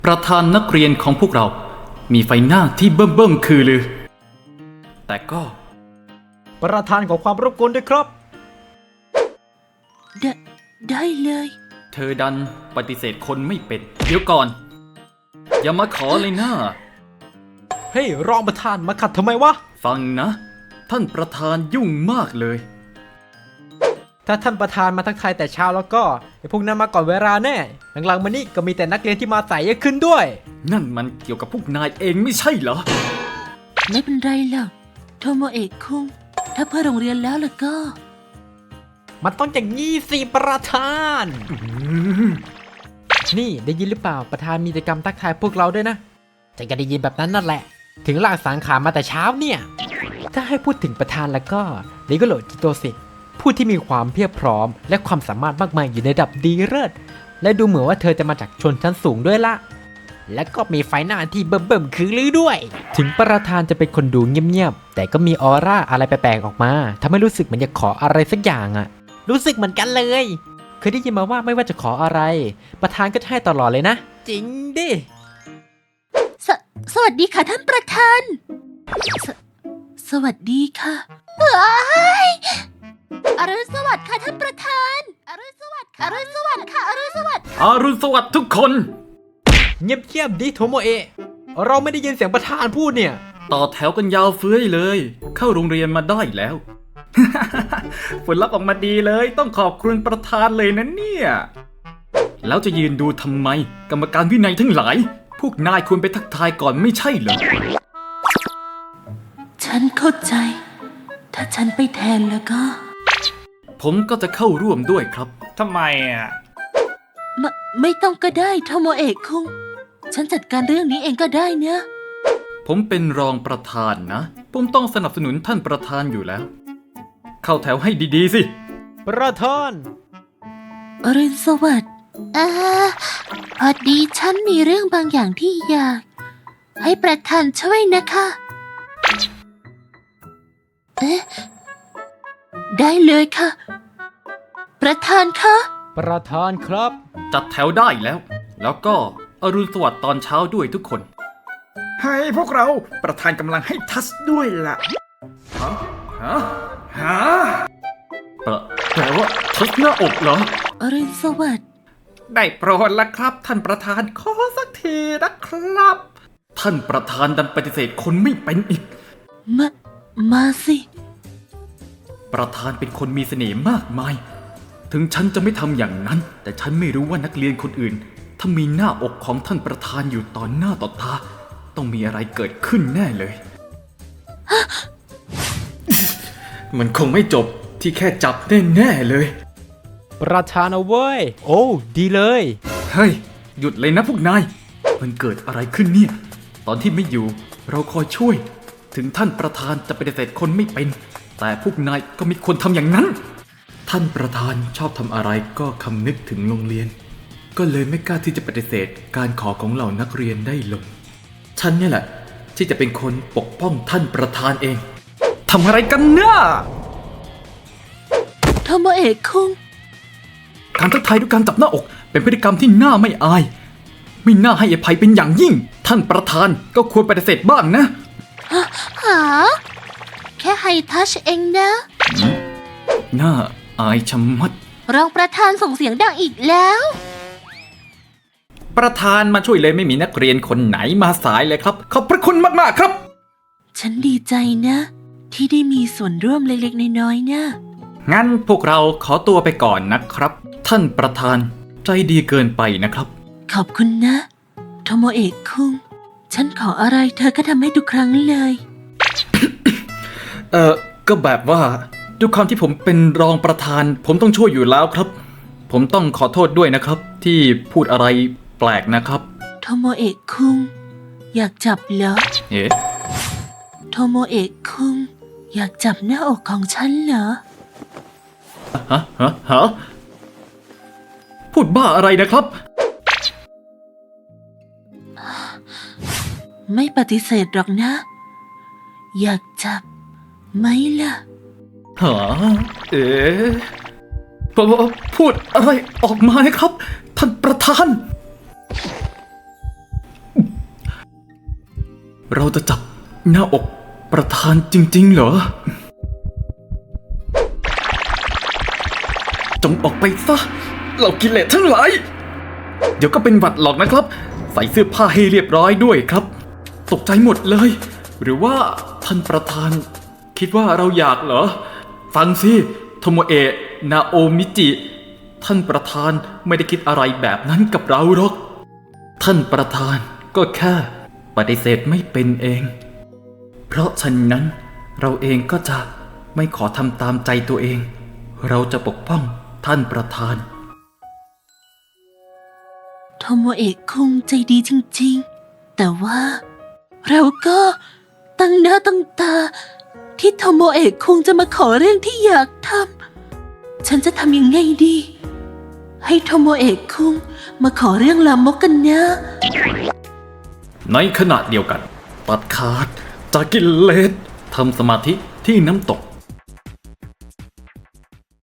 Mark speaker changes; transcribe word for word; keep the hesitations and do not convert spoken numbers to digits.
Speaker 1: ประธานนักเรียนของพวกเรา มีไฟหน้าที่เบิ่มเบิ่มคือลือแต่ก็
Speaker 2: ประธานของความรบกวนด้วยครับ
Speaker 3: ไดได้เลย
Speaker 1: เธอดันปฏิเสธคนไม่เป็น เดี๋ยวก่อน อย่ามาขอเลยนะ
Speaker 2: เฮ้ยรองประธานมาขัดทำไมวะ
Speaker 1: ฟังนะ ท่านประธานยุ่งมากเลย
Speaker 2: ถ้าท่านประธานมาทักทายแต่เช้าแล้วก็ไอ้พวกนั้นมาก่อนเวลาแน่หลังๆมานี่ก็มีแต่นักเรียนที่มาสายเยอะขึ้นด้วย
Speaker 1: นั่นมันเกี่ยวกับพวกนายเองไม่ใช่เหรอ
Speaker 3: ไม่เป็นไรหรอกโทโมเอะคุงถ้าเพื่อโรงเรียนแล้วล่ะก็
Speaker 2: มันต้องอย่างนี้สิประธานนี่ได้ยินหรือเปล่าประธานมีกิจกรรมทักทายพวกเราด้วยนะจะก็ได้ยินแบบนั้นนั่นแหละถึงลากสังขารมาแต่เช้าเนี่ยถ้าให้พูดถึงประธานแล้วก็ลิโกโรจิโตสิผู้ที่มีความเพียบพร้อมและความสามารถมากมายอยู่ในระดับดีเลิศและดูเหมือนว่าเธอจะมาจากชนชั้นสูงด้วยละและก็มีไฟหน้าที่เบิ่มๆคือลือด้วยถึงประธานจะเป็นคนดูเงียบๆแต่ก็มีออร่าอะไรแปลกๆออกมาทำให้รู้สึกเหมือนอยากขออะไรสักอย่างอะรู้สึกเหมือนกันเลยเคยได้ยินมาว่าไม่ว่าจะขออะไรประธานก็จะให้ตลอดเลยนะจริงดิ
Speaker 3: สสวัสดีค่ะท่านประธานสสวัสดีค่ะเฮ้ยอรุณสวัสดิ์ค่ะท่านประธานอรุณสวัสดิ์ค่ะอรุณสวัสดิ์ค่ะอรุณสวัสดิ์
Speaker 1: อรุณสวัสดิ์ทุกคน
Speaker 2: เงียบๆดิโทโมเอะเราไม่ได้ยินเสียงประธานพูดเนี่ย
Speaker 1: ต่อแถวกันยาวเฟ้ยเลยเข้าโรงเรียนมาได้แล้ว ผลลัพธ์ออกมาดีเลยต้องขอบคุณประธานเลยนะเนี่ยแล้วจะยืนดูทำไมกรรมการวินัยทั้งหลายพวกนายควรไปทักทายก่อนไม่ใช่เหรอ
Speaker 3: ฉันเข้าใจถ้าฉันไปแทนแล้วก็
Speaker 1: ผมก็จะเข้าร่วมด้วยครับทำไมอ่ะ
Speaker 3: ไม่ไม่ต้องก็ได้โทโมเอะคุงฉันจัดการเรื่องนี้เองก็ได้นะ
Speaker 1: ผมเป็นรองประธานนะผมต้องสนับสนุนท่านประธานอยู่แล้วเข้าแถวให้ดีๆสิ
Speaker 2: ประธาน
Speaker 3: อรุณสวัสดิ์เออพอดีฉันมีเรื่องบางอย่างที่อยากให้ประธานช่วยนะคะเอ๊ะได้เลยค่ะประธานคะ
Speaker 2: ประธานครับ
Speaker 1: จัดแถวได้แล้วแล้วก็อรุณสวัสดิ์ตอนเช้าด้วยทุกคน
Speaker 4: ให้พวกเราประธานกำลังให้ทัชด้วยล่ะ
Speaker 1: ฮะฮะฮะแปลแปลว่าทัชหน้าอกเหรอ
Speaker 3: อรุณสวัสดิ์
Speaker 4: ได้โปรดละครับท่านประธานขอสักทีนะครับ
Speaker 1: ท่านประธานดันปฏิเสธคนไม่เป็นอีก
Speaker 3: มามาสิ
Speaker 1: ประธานเป็นคนมีเสน่ห์มากมายถึงฉันจะไม่ทำอย่างนั้นแต่ฉันไม่รู้ว่านักเรียนคนอื่นถ้ามีหน้าอกของท่านประธานอยู่ต่อหน้าต่อตาต้องมีอะไรเกิดขึ้นแน่เลย มันคงไม่จบที่แค่จับแน่ๆเลย
Speaker 2: ประธานเอาเว้ยโอ้ดีเลย
Speaker 1: เฮ้ยหยุดเลยนะพวกนายมันเกิดอะไรขึ้นเนี่ยตอนที่ไม่อยู่เราคอยช่วยถึงท่านประธานจะปฏิเสธคนไม่เป็นแต่พวกนายก็ไม่ควรทำอย่างนั้นท่านประธานชอบทำอะไรก็คำนึกถึงโรงเรียนก็เลยไม่กล้าที่จะปฏิเสธการขอของเหล่านักเรียนได้ลงฉันเนี่ยแหละที่จะเป็นคนปกป้องท่านประธานเองทำอะไรกันเนี่ย
Speaker 3: โทโมเอะคุง
Speaker 1: การทักทายด้วยการจับหน้าอกเป็นพฤติกรรมที่น่าไม่อายไม่น่าให้อภัยเป็นอย่างยิ่งท่านประธานก็ควรปฏิเสธบ้างนะ
Speaker 3: หาแค่ไฮทัชเองนะ
Speaker 1: น่าอายชะมัด
Speaker 3: รองประธานส่งเสียงดังอีกแล้ว
Speaker 1: ประธานมาช่วยเลยไม่มีนักเรียนคนไหนมาสายเลยครับขอบพระคุณมากๆครับ
Speaker 3: ฉันดีใจนะที่ได้มีส่วนร่วมเล็กๆน้อยๆนะ
Speaker 1: งั้นพวกเราขอตัวไปก่อนนะครับท่านประธานใจดีเกินไปนะครับ
Speaker 3: ขอบคุณนะโทโมเอะคุงฉันขออะไรเธอก็ทำให้ทุกครั้งเลย
Speaker 1: เออก็แบบว่าด้วยความที่ผมเป็นรองประธานผมต้องช่วยอยู่แล้วครับผมต้องขอโทษด้วยนะครับที่พูดอะไรแปลกนะครับ
Speaker 3: โทโมเอะคุงอยากจับเหรอ
Speaker 1: เอ๊ะ
Speaker 3: โทโมเอะคุงอยากจับหน้าอกของฉันเหรอ
Speaker 1: ฮะฮะฮะพูดบ้าอะไรนะครับ
Speaker 3: ไม่ปฏิเสธหรอกนะอยากจับไหมล่ะ
Speaker 1: ฮะเอ๊ะพูดอะไรออกมาครับท่านประธานเราจะจับหน้าอกประธานจริงๆเหรอ จงออกไปซะเหล่ากิเลสทั้งหลาย เดี๋ยวก็เป็นหวัดหรอกนะครับ ใส่เสื้อผ้าให้เรียบร้อยด้วยครับ ตกใจหมดเลย หรือว่าท่านประธาน คิดว่าเราอยากเหรอ ฟังสิโทโมเอะนาโอมิจิ ท่านประธานไม่ได้คิดอะไรแบบนั้นกับเราหรอก ท่านประธานก็แค่ปฏิเสธไม่เป็นเอง เพราะฉะนั้นเราเองก็จะไม่ขอทำตามใจตัวเอง เราจะปกป้องท่านประธาน
Speaker 3: โทโมเอะคุงใจดีจริงๆ แต่ว่าเราก็ตั้งหน้าตั้งตา ที่โทโมเอะคุงจะมาขอเรื่องที่อยากทำ ฉันจะทำยังไงดี ให้โทโมเอะคุงมาขอเรื่องลามกกันนะ
Speaker 1: ในขณะเดียวกัน ตัดขาดจากกิเลสทำสมาธิที่น้ำตก